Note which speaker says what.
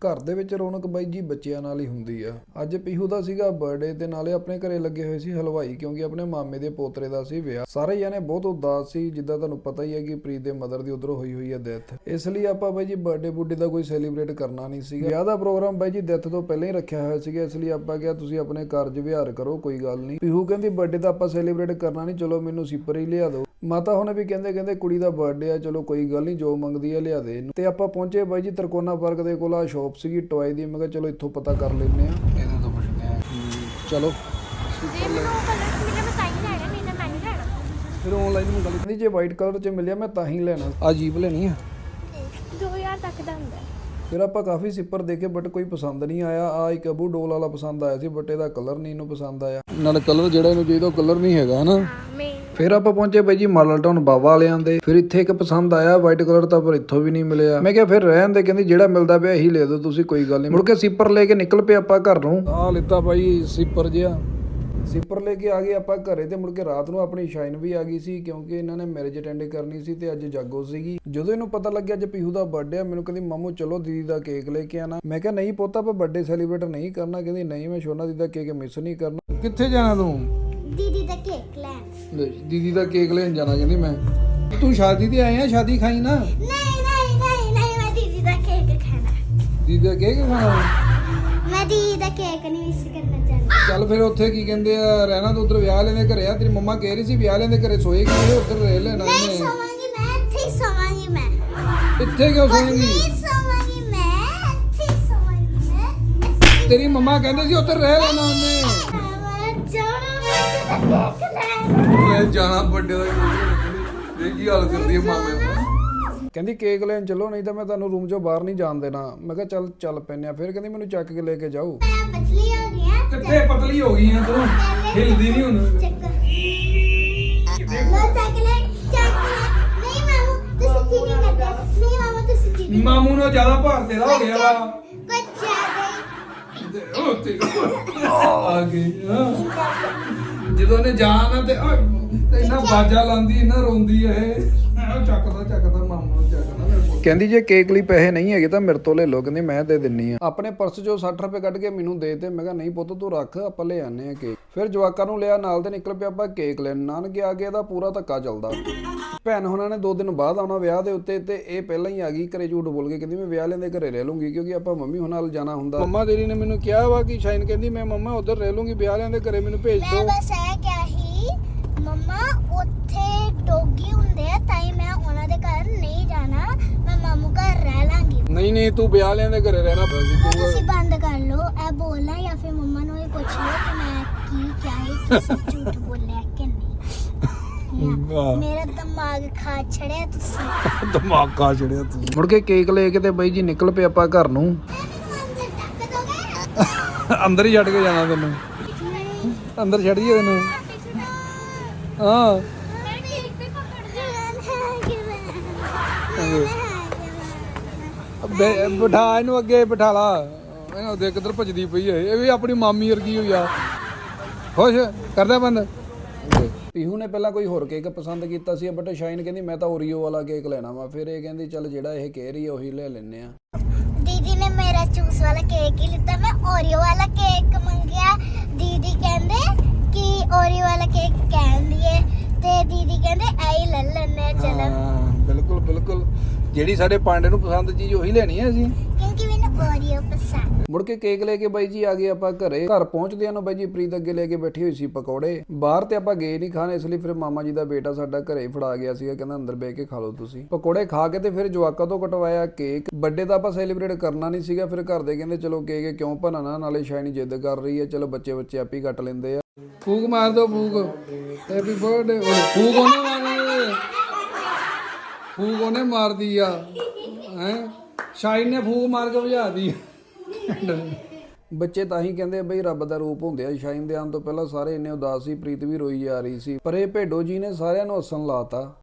Speaker 1: ਘਰ ਦੇ ਵਿੱਚ ਰੌਣਕ ਬਾਈ ਜੀ ਬੱਚਿਆਂ ਨਾਲ ਹੀ ਹੁੰਦੀ ਆ। ਅੱਜ ਪੀਹੂ ਦਾ ਸੀਗਾ ਬਰਥਡੇ ਤੇ ਨਾਲੇ ਆਪਣੇ ਘਰੇ ਲੱਗੇ ਹੋਏ ਸੀ ਹਲਵਾਈ, ਕਿਉਂਕਿ ਆਪਣੇ ਮਾਮੇ ਦੇ ਪੋਤਰੇ ਦਾ ਸੀ ਵਿਆਹ। ਸਾਰੇ ਜਾਣੇ ਬਹੁਤ ਉਦਾਸ ਸੀ, ਜਿੱਦਾਂ ਤੁਹਾਨੂੰ ਪਤਾ ਹੀ ਹੈ ਕਿ ਪ੍ਰੀਤ ਦੇ ਮਦਰ ਦੀ ਉਧਰੋਂ ਹੋਈ ਹੈ ਡੈਥ। ਇਸ ਲਈ ਆਪਾਂ ਬਾਈ ਜੀ ਬਰਥਡੇ ਬੁੱਢੇ ਦਾ ਕੋਈ ਸੈਲੀਬ੍ਰੇਟ ਕਰਨਾ ਨਹੀਂ ਸੀਗਾ। ਵਿਆਹ ਦਾ ਪ੍ਰੋਗਰਾਮ ਬਾਈ ਜੀ ਡੈਥ ਤੋਂ ਪਹਿਲਾਂ ਹੀ ਰੱਖਿਆ ਹੋਇਆ ਸੀਗਾ, ਇਸ ਲਈ ਆਪਾਂ ਕਿਹਾ ਤੁਸੀਂ ਆਪਣੇ ਕਾਰਜ ਵਿਹਾਰ ਕਰੋ, ਕੋਈ ਗੱਲ ਨਹੀਂ। ਪੀਹੂ ਕਹਿੰਦੀ ਬਰਥਡੇ ਦਾ ਆਪਾਂ ਸੈਲੀਬ੍ਰੇਟ ਕਰਨਾ ਨਹੀਂ, ਚਲੋ ਮੈਨੂੰ ਸਿਪਰ ਹੀ ਲਿਆ ਦਿਓ। ਮਾਤਾ ਹੁਣ ਵੀ ਕਹਿੰਦੇ ਕੁੜੀ ਦਾ ਬਰਥਡੇ ਆ, ਚਲੋ ਕੋਈ ਗੱਲ ਨਹੀਂ, ਜੋ ਮੰਗਦੀ ਆ ਲਿਆ ਦੇ ਇਹਨੂੰ। ਤੇ ਆਪਾਂ ਪਹੁੰਚੇ ਬਾਈ ਜੀ ਤਰਕੋਨਾ ਪਾਰਕ ਦੇ ਕੋਲ, ਆ ਸ਼ਾਪ ਸੀਗੀ ਟੋਏ ਦੀ। ਮੈਂ ਕਿਹਾ ਚਲੋ ਇੱਥੋਂ ਪਤਾ ਕਰ ਲੈਂਦੇ ਆ, ਇਹਦੇ ਤੋਂ ਪੁੱਛਦੇ ਆ। ਚਲੋ ਫਿਰ ਆਨਲਾਈਨ ਮੰਗਾ ਲਈ, ਕਹਿੰਦੀ ਜੇ ਵਾਈਟ ਕਲਰ 'ਚ ਮਿਲਿਆ ਮੈਂ ਤਾਂ ਹੀ ਲੈਣਾ। ਆ ਜੀਪ ਲੈਣੀ ਆ
Speaker 2: 2000 ਤੱਕ ਦਾ ਹੁੰਦਾ।
Speaker 1: ਫਿਰ ਆਪਾਂ ਕਾਫੀ ਸਿੱਪਰ ਦੇਖੇ ਬਟ ਕੋਈ ਪਸੰਦ ਨਹੀਂ ਆਇਆ। ਆ ਇੱਕ ਅਬੂ ਡੋਲ ਵਾਲਾ ਪਸੰਦ ਆਇਆ ਸੀ ਬਟ ਇਹਦਾ ਕਲਰ ਨਹੀਂ ਇਹਨੂੰ ਪਸੰਦ ਆਇਆ। ਨਾਲ ਕਲਰ ਜਿਹੜਾ ਇਹਨੂੰ ਚਾਹੀਦਾ ਉਹ ਕਲਰ ਨਹੀਂ ਹੈਗਾ ਹਨਾ। ਫਿਰ ਆਪਾਂ ਪਹੁੰਚੇ ਬਾਈ ਜੀ ਮਾਡਲ ਟਾਊਨ ਬਾਵਾ ਵਾਲਿਆਂ ਦੇ। ਫਿਰ ਇੱਥੇ ਇੱਕ ਪਸੰਦ ਆਇਆ ਵਾਈਟ ਕਲਰ ਤਾਂ, ਪਰ ਇੱਥੋਂ ਵੀ ਨਹੀਂ ਮਿਲਿਆ। ਮੈਂ ਕਿਹਾ ਫਿਰ ਰਹਿਣ ਦੇ, ਕਹਿੰਦੀ ਜਿਹੜਾ ਮਿਲਦਾ ਪਿਆ ਇਹੀ ਲੈ ਦਿਓ ਤੁਸੀਂ, ਕੋਈ ਗੱਲ ਨਹੀਂ। ਮੁੜ ਕੇ ਸਿੱਪਰ ਲੈ ਕੇ ਨਿਕਲ ਪਏ ਆਪਾਂ ਘਰ ਨੂੰ। ਆ ਲਿੱਤਾ ਬਾਈ ਸਿੱਪਰ ਜਿਹਾ, ਸਿੱਪਰ ਲੈ ਕੇ ਆ ਗਏ ਆਪਾਂ ਘਰੇ। ਤੇ ਮੁੜ ਕੇ ਰਾਤ ਨੂੰ ਆਪਣੀ ਸ਼ਾਈਨ ਵੀ ਆ ਗਈ ਸੀ, ਕਿਉਂਕਿ ਇਹਨਾਂ ਨੇ ਮੈਰਿਜ ਅਟੈਂਡ ਕਰਨੀ ਸੀ ਤੇ ਅੱਜ ਜਾਗੋ ਸੀਗੀ। ਜਦੋਂ ਇਹਨੂੰ ਪਤਾ ਲੱਗਿਆ ਅੱਜ ਪੀਹੂ ਦਾ ਬਰਥਡੇ ਆ, ਮੈਨੂੰ ਕਹਿੰਦੀ ਮਾਮੂ ਚਲੋ ਦੀਦੀ ਦਾ ਕੇਕ ਲੈ ਕੇ ਆਣਾ। ਮੈਂ ਕਿਹਾ ਨਹੀਂ ਪੁੱਤ ਆਪਾਂ ਬਰਥਡੇ ਸੈਲੀਬ੍ਰੇਟ ਨਹੀਂ ਕਰਨਾ। ਕਹਿੰਦੀ ਨਹੀਂ ਮੈਂ ਸ਼ੋਨਾ ਦੀਦੀ ਦਾ ਕੇਕ ਮਿਸ ਨਹੀਂ ਕਰਨਾ। ਕਿੱਥੇ ਜਾਣਾ ਤੂੰ?
Speaker 2: ਦੀਦੀ ਦਾ ਕੇਕ ਲੈਣ।
Speaker 1: ਦੀਦੀ ਦਾ ਕੇਕ ਲੈਣ ਜਾਣਾ ਕਹਿੰਦੀ ਮੈਂ। ਤੂੰ ਸ਼ਾਦੀ ਤੇ ਆਏ ਆ, ਸ਼ਾਦੀ ਖਾਈ ਨਾ।
Speaker 2: ਨਹੀਂ ਮੈਂ ਦੀਦੀ ਦਾ ਕੇਕ ਖਾਣਾ।
Speaker 1: ਦੀਦੀ ਦਾ ਕੇਕ ਖਾਣਾ?
Speaker 2: ਮੈਂ ਦੀਦੀ ਦਾ ਕੇਕ ਨਹੀਂ ਮਿਸ ਕਰਨਾ ਚਾਹੁੰਦੀ।
Speaker 1: ਚੱਲ ਫਿਰ ਉੱਥੇ ਕੀ ਕਹਿੰਦੇ ਆ, ਰਹਿਣਾ ਤਾਂ ਉਧਰ ਵਿਆਹ ਲੈਂਦੇ ਘਰੇ ਆ। ਤੇਰੀ ਮੰਮਾ ਕਹਿ ਰਹੀ ਸੀ ਵਿਆਹ ਲੈਂਦੇ ਘਰੇ ਸੋਏਗੀ, ਇਹ ਉਧਰ ਰਹਿ ਲੈਣਾ
Speaker 2: ਨਹੀਂ
Speaker 1: ਇਹਨੇ।
Speaker 2: ਸੋਵਾਂਗੀ ਮੈਂ, ਇੱਥੇ ਹੀ ਸੋਵਾਂਗੀ ਮੈਂ।
Speaker 1: ਇੱਥੇ ਕਿਉਂ ਸੋਏਗੀ?
Speaker 2: ਨਹੀਂ ਸੋਵਾਂਗੀ ਮੈਂ, ਇੱਥੇ ਹੀ ਸੋਵਾਂਗੀ ਮੈਂ।
Speaker 1: ਤੇਰੀ ਮੰਮਾ ਕਹਿੰਦੇ ਸੀ ਉੱਧਰ ਰਹਿ ਲੈਣਾ ਉਹਨੇ।
Speaker 2: ਮੈਂ ਜਾਣਾ ਕੇਕ ਲੈਣ।
Speaker 1: ਮੈਂ ਜਾਣਾ ਵੱਡੇ ਦਾ ਦੇਖ ਕੀ ਹਾਲ ਕਰਦੀ ਹੈ ਮਾਮੇ ਨੂੰ। ਕਹਿੰਦੀ ਕੇਕ ਲੈਣ ਚੱਲੋ, ਨਹੀਂ ਤਾਂ ਮੈਂ ਤੁਹਾਨੂੰ ਰੂਮ 'ਚੋਂ ਬਾਹਰ ਨਹੀਂ ਜਾਣ ਦੇਣਾ। ਮੈਂ ਕਿਹਾ ਚੱਲ ਪੈਨੇ ਆ। ਫਿਰ ਕਹਿੰਦੀ ਮੈਨੂੰ ਚੱਕ ਕੇ ਲੈ ਕੇ ਜਾਓ।
Speaker 2: ਮੈਂ ਪਤਲੀ ਹੋ ਗਈ ਆ।
Speaker 1: ਕਿੱਥੇ ਪਤਲੀ ਹੋ ਗਈ ਆ ਤੂੰ? ਹਿਲਦੀ ਨਹੀਂ ਹੁਣ।
Speaker 2: ਚੱਕ ਲੋ ਚੱਕ ਲੈ। ਨਹੀਂ ਮਾਮੂ ਤੁਸੀਂ ਠੀਕ ਨਹੀਂ ਕਰਦੇ। ਨਹੀਂ ਮਾਮੂ ਤੁਸੀਂ ਠੀਕ ਨਹੀਂ।
Speaker 1: ਮਾਮੂ ਨੂੰ ਜ਼ਿਆਦਾ ਭਾਰ ਤੇਰਾ ਹੋ ਗਿਆ ਵਾ।
Speaker 2: ਕੁਝ ਜ਼ਿਆਦਾ ਹੀ।
Speaker 1: ਉਹ ਤੇ ਆ ਗਈ ਜਦੋਂ ਨੇ ਜਾਣਾ ਤੇ ਇੰਨਾ ਬਾਜਾ ਲਾਉਂਦੀ, ਇੰਨਾ ਰੋਂਦੀ ਇਹ। ਚੱਕਦਾ ਮਾਮੂ ਨੂੰ ਚੱਕਦਾ। ਕਹਿੰਦੀ ਜੇ ਕੇਕ ਲਈ ਪੈਸੇ ਨਹੀਂ ਹੈਗੇ ਤਾਂ ਮੇਰੇ ਤੋਂ ਲੈ ਲਓ। ਕਹਿੰਦੀ ਮੈਂ ਦੇ ਦਿੰਨੀ ਆ। ਆਪਣੇ ਪਰਸ 'ਚੋਂ 60 ਰੁਪਏ ਕੱਢ ਕੇ ਮੈਨੂੰ ਦੇ ਤੇ। ਮੈਂ ਕਿਹਾ ਨਹੀਂ ਪੁੱਤ ਤੂੰ ਰੱਖ, ਆਪਾਂ ਲੈ ਆਨੇ ਆ ਕੇਕ। ਫਿਰ ਜਵਾਕਾਂ ਨੂੰ ਲਿਆ ਨਾਲ ਤੇ ਨਿਕਲ ਪਿਆ ਆਪਾਂ ਕੇਕ ਲੈਣ। ਨਾਨਕੇ ਆ ਕੇ ਇਹਦਾ ਪੂਰਾ ਧੱਕਾ ਚੱਲਦਾ। ਭੈਣ ਹੁਣਾਂ ਨੇ 2 ਦਿਨ ਬਾਅਦ ਆਉਣਾ ਵਿਆਹ ਦੇ ਉੱਤੇ, ਤੇ ਇਹ ਪਹਿਲਾਂ ਹੀ ਆ ਗਈ ਘਰੇ ਝੂਠ ਬੋਲ ਕੇ। ਕਹਿੰਦੀ ਮੈਂ ਵਿਆਹ ਲੈਂਦੇ ਘਰੇ ਰਹਿ ਲੂੰਗੀ, ਕਿਉਂਕਿ ਆਪਾਂ ਮੰਮੀ ਹੁਣਾਂ ਨਾਲ ਜਾਣਾ ਹੁੰਦਾ। ਮੰਮਾ ਤੇਰੀ ਨੇ ਮੈਨੂੰ ਕਿਹਾ ਵਾ ਕਿ ਸ਼ਾਇਨ ਕਹਿੰਦੀ ਮੈਂ ਮੰਮਾ ਉਧਰ ਰਹਿ ਲੂੰਗੀ, ਵਿਆਹ ਲੈਂਦੇ ਘਰੇ ਮੈਨੂੰ ਭੇਜ
Speaker 2: ਮੈਂ
Speaker 1: ਦਿਓ।
Speaker 2: ਬਸ ਇਹ ਕਿਹਾ ਸੀ ਮੰਮਾ ਉੱਥੇ ਡੋਗੀ ਹੁੰਦੇ ਆ ਤਾਂ ਹੀ ਮੈਂ ਉਹਨਾਂ ਦੇ ਘਰ ਨਹੀਂ ਜਾਣਾ, ਮੈਂ ਮਾਮੂ ਘਰ ਰਹਿ ਲਾਂਗੀ।
Speaker 1: ਨਹੀਂ ਤੂੰ ਵਿਆਹ ਲੈਂਦੇ ਘਰੇ ਰਹਿਣਾ।
Speaker 2: ਤੁਸੀਂ ਬੰਦ ਕਰ ਲਓ ਇਹ ਬੋਲਣਾ, ਜਾਂ ਫਿਰ ਮੰਮਾ ਨੂੰ ਹੀ ਪੁੱਛ ਲਓ ਕਿ ਮੈਂ ਕੀ ਕਿਹਾ ਹੈ, ਤੁਸੀਂ ਝੂਠ ਬੋਲਿਆ ਕਿ ਨਹੀਂ। ਮੇਰਾ ਦਿਮਾਗ ਖਾ ਛੜਿਆ ਤੁਸੀਂ।
Speaker 1: ਦਿਮਾਗ ਖਾ ਛੜਿਆ ਤੂੰ। ਮੁੜ ਕੇ ਕੇਕ ਲੈ ਕੇ ਤੇ ਬਾਈ ਜੀ ਨਿਕਲ ਪਏ ਆਪਾਂ ਘਰ ਨੂੰ। ਅੰਦਰ ਹੀ ਛੱਡ ਕੇ ਜਾਣਾ ਤੈਨੂੰ, ਅੰਦਰ ਛੱਡ ਦਈਏ ਤੈਨੂੰ। ਹਾਂ ਬਿਠਾ ਇਹਨੂੰ, ਅੱਗੇ ਬਿਠਾ ਲਾ ਇਹਨੂੰ। ਦੇਖ ਕਿੱਧਰ ਭੱਜਦੀ ਪਈ ਹੈ, ਇਹ ਵੀ ਆਪਣੀ ਮਾਮੀ ਵਰਗੀ ਹੋਈ ਆ। ਖੁਸ਼ ਕਰਦਾ ਬੰਦ। ਪੀਹੂ ਨੇ ਪਹਿਲਾਂ ਕੋਈ ਹੋਰ ਕੇਕ ਪਸੰਦ ਕੀਤਾ ਸੀ, ਬਟ ਸ਼ਾਈਨ ਕਹਿੰਦੀ ਮੈਂ ਤਾਂ ਓਰੀਓ ਵਾਲਾ ਕੇਕ ਲੈਣਾ ਵਾ। ਫਿਰ ਇਹ ਕਹਿੰਦੀ ਚੱਲ ਜਿਹੜਾ ਇਹ ਕਹਿ ਰਹੀ ਹੈ ਉਹੀ ਲੈ ਲੈਨੇ ਆ।
Speaker 2: ਦੀਦੀ ਨੇ ਮੇਰਾ ਚੂਸ ਵਾਲਾ ਕੇਕ ਹੀ ਲਿੱਤਾ, ਮੈਂ ਓਰੀਓ ਵਾਲਾ ਕੇਕ ਮੰਗਿਆ। ਦੀਦੀ ਕਹਿੰਦੇ ਕਿ ਓਰੀਓ ਵਾਲਾ ਕੇਕ ਕਹਿੰਦੀ ਏ, ਤੇ ਦੀਦੀ ਕਹਿੰਦੇ ਐ ਲੈ ਲੈਣੇ। ਚਲੋ
Speaker 1: ਬਿਲਕੁਲ ਜਿਹੜੀ ਸਾਡੇ ਪਾਂਡੇ ਨੂੰ ਪਸੰਦ ਚੀਜ਼ ਉਹੀ ਲੈਣੀ ਹੈ ਅਸੀਂ,
Speaker 2: ਕਿਉਂਕਿ ਮੈਨੂੰ ਓਰੀਓ ਪਸੰਦ।
Speaker 1: ਮੁੜ ਕੇ ਕੇਕ ਲੈ ਕੇ ਬਾਈ ਜੀ ਆ ਗਏ ਆਪਾਂ ਘਰੇ। ਘਰ ਪਹੁੰਚਦਿਆਂ ਨੂੰ ਬਾਈ ਜੀ ਪ੍ਰੀਤ ਅੱਗੇ ਲੈ ਕੇ ਬੈਠੀ ਹੋਈ ਸੀ ਪਕੌੜੇ। ਬਾਹਰ ਤੇ ਆਪਾਂ ਗਏ ਨਹੀਂ ਖਾਣ, ਇਸ ਲਈ ਫਿਰ ਮਾਮਾ ਜੀ ਦਾ ਬੇਟਾ ਸਾਡਾ ਘਰੇ ਫੜਾ ਗਿਆ ਸੀਗਾ, ਕਹਿੰਦਾ ਅੰਦਰ ਬਹਿ ਕੇ ਖਾ ਲਓ ਤੁਸੀਂ। ਪਕੌੜੇ ਖਾ ਕੇ ਤੇ ਫਿਰ ਜਵਾਕਾਂ ਤੋਂ ਕਟਵਾਇਆ ਕੇਕ। ਬਰਥਡੇ ਤਾਂ ਆਪਾਂ ਸੈਲੀਬ੍ਰੇਟ ਕਰਨਾ ਨਹੀਂ ਸੀਗਾ। ਫਿਰ ਘਰ ਦੇ ਕਹਿੰਦੇ ਚਲੋ ਕੇਕ ਕਿਉਂ ਭੰਨਣਾ, ਨਾਲੇ ਸ਼ਾਇਨੀ ਜਿੱਦ ਕਰ ਰਹੀ ਹੈ, ਚਲੋ ਬੱਚੇ ਆਪੇ ਕੱਟ ਲੈਂਦੇ ਆ। ਫੂਕ ਮਾਰ ਦੋ, ਫੂਕ। Happy birthday. ਫੂਕ ਉਹਨੇ ਮਾਰਦੀ ਆ ਹੈ, ਸ਼ਾਇਨ ਨੇ ਫੂਕ ਮਾਰ ਕੇ ਭਜਾਦੀ। ਬੱਚੇ ਤਾਂ ਹੀ ਕਹਿੰਦੇ ਬਈ ਰੱਬ ਦਾ ਰੂਪ ਹੁੰਦੇ ਆ। ਸ਼ਾਈਨ ਦੇ ਆਉਣ ਤੋਂ ਪਹਿਲਾਂ ਸਾਰੇ ਇੰਨੇ ਉਦਾਸ ਸੀ, ਪ੍ਰੀਤ ਵੀ ਰੋਈ ਜਾ ਰਹੀ ਸੀ, ਪਰ ਇਹ ਭੇਡੋ ਜੀ ਨੇ ਸਾਰਿਆਂ ਨੂੰ ਹੱਸਣ ਲਾਤਾ।